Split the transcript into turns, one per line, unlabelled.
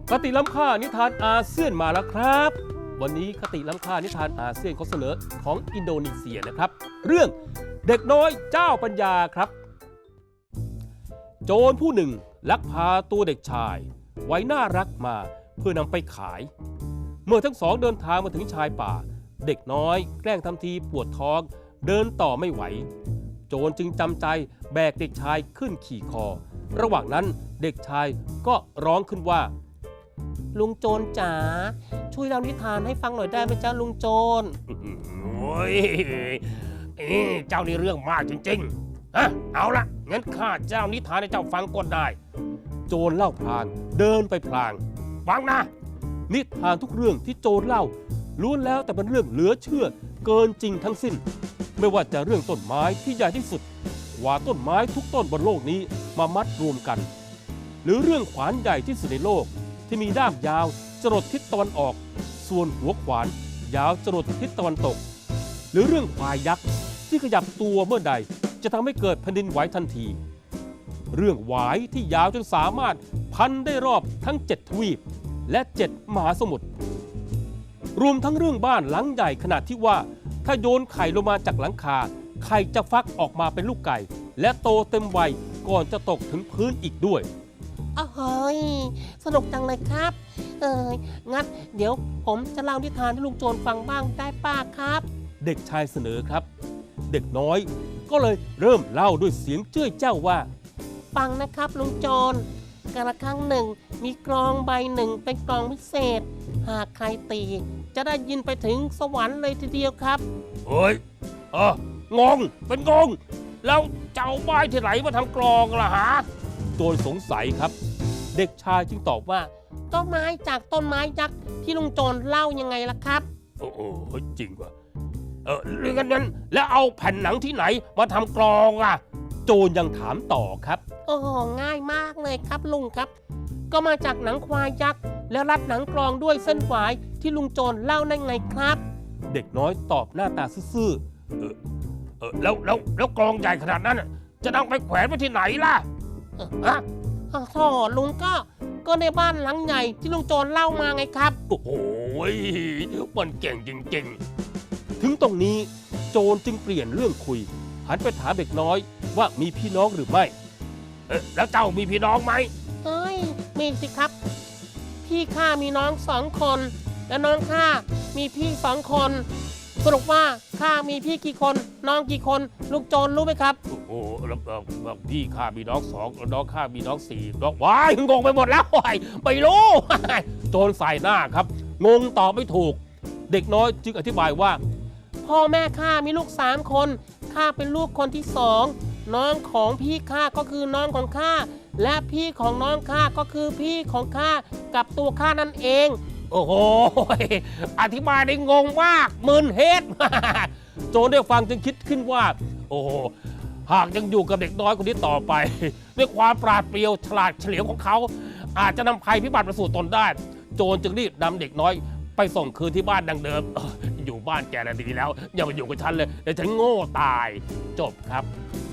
คติล้ำค่านิทานอาเซียนมาแล้วครับวันนี้คติล้ำค่านิทานอาเซียนเขาเสนอของอินโดนีเซียนะครับเรื่องเด็กน้อยเจ้าปัญญาครับโจรผู้หนึ่งลักพาตัวเด็กชายไว้น่ารักมาเพื่อนำไปขายเมื่อทั้งสองเดินทางมาถึงชายป่าเด็กน้อยแกล้งทำทีปวดท้องเดินต่อไม่ไหวโจรจึงจำใจแบกเด็กชายขึ้นขี่คอระหว่างนั้นเด็กชายก็ร้องขึ้นว่าลุงโจรจ๋าช่วยเล่านิทานให้ฟังหน่อยได้ไหมจ๊ะลุงโจรโอ้ยเจ้านี่เรื่องมากจริงๆเอาละงั้นข้าเจ้านิทานให้เจ้าฟังก็ได้โจรเล่าพลางเดินไปพลางฟังนะนิทานทุกเรื่องที่โจรเล่าล้วนแล้วแต่เป็นเรื่องเหลือเชื่อเกินจริงทั้งสิ้นไม่ว่าจะเรื่องต้นไม้ที่ใหญ่ที่สุดกว่าต้นไม้ทุกต้นบนโลกนี้มามัดรวมกันหรือเรื่องขวานใหญ่ที่สุดในโลกที่มีด้ามยาวจรดทิศตะวันออกส่วนหัวขวานยาวจรดทิศตะวันตกหรือเรื่องควายยักษ์ที่ขยับตัวเมื่อใดจะทำให้เกิดแผ่นดินไหวทันทีเรื่องหวายที่ยาวจนสามารถพันได้รอบทั้ง7ทวีปและ7มหาสมุทรรวมทั้งเรื่องบ้านหลังใหญ่ขนาดที่ว่าถ้าโยนไข่ลงมาจากหลังคาไข่จะฟักออกมาเป็นลูกไก่และโตเต็มวัยก่อนจะตกถึงพื้นอีกด้วย
เฮ้ยสนุกจังเลยครับงั้นเดี๋ยวผมจะเล่านิทานให้ลุงโจรฟังบ้างได้ป้าครับ
เด็กชายเสนอครับเด็กน้อยก็เลยเริ่มเล่าด้วยเสียงเจ้ยเจ้าว่า
ฟังนะครับลุงโจรกาลครั้งหนึ่งมีกลองใบหนึ่งเป็นกลองพิเศษหากใครตีจะได้ยินไปถึงสวรรค์เลยทีเดียวครับ
เฮ้ยงงเป็นงงแล้วเจ้าไม้ที่ไหนมาทำกลองล่ะฮะโจรสงสัยครับเด็กชายจึงตอบว่า
ก็ไม้จากต้นไม้ยักษ์ที่ลุงโจรเล่ายังไงล่ะครับ
โอ้จริงว่ะเรื่องนั้นแล้วเอาแผ่นหนังที่ไหนมาทำกลองอ่ะโจรยังถามต่อครับ
โอ้ง่ายมากเลยครับลุงครับก็มาจากหนังควายยักษ์แล้วรัดหนังกลองด้วยเส้นฝายที่ลุงโจรเล่าได้ไงครับ
เด็กน้อยตอบหน้าตาซื่อๆแล้วกลองใหญ่ขนาดนั้นจะนำไปแขวนไว้ที่ไหนล่ะ
ท่อลุงก็ในบ้านหลังใหญ่ที่ลุงโจรเล่ามาไงครับ
โอ้โหมันเก่งจริงๆถึงตรงนี้โจรจึงเปลี่ยนเรื่องคุยหันไปถามเด็กน้อยว่ามีพี่น้องหรือไม่แล้วเจ้ามีพี่น้องไหม
มีสิครับพี่ข้ามีน้อง2 คนและน้องข้ามีพี่2 คนสรุปว่าข้ามีพี่กี่คนน้องกี่คนลูกโจรรู้ไหมครับ
โอ้แล้วพี่ข้ามีน้อง2น้องข้ามีน้อง4น้องว้ายงงไปหมดแล้วไม่รู้โจรใส่หน้าครับงงตอบไม่ถูกเด็กน้อยจึงอธิบายว่า
พ่อแม่ข้ามีลูก3 คนข้าเป็นลูกคนที่2น้องของพี่ข้าก็คือน้องของข้าและพี่ของน้องข้าก็คือพี่ของข้ากับตัวข้านั่นเอง
โอ้โหอธิบายได้งงมากมึนเฮ็ดโจรได้ฟังจึงคิดขึ้นว่าโอ้หากยังอยู่กับเด็กน้อยคนนี้ต่อไปด้วยความปราดเปรียวฉลาดเฉลียวของเขาอาจจะนำภัยพิบัติมาสู่ตนได้โจรจึงรีบนำเด็กน้อยไปส่งคืนที่บ้านดังเดิมอยู่บ้านแกน่ะดีแล้วอย่ามาอยู่กับฉันเลยเดี๋ยวฉันโง่ตายจบครับ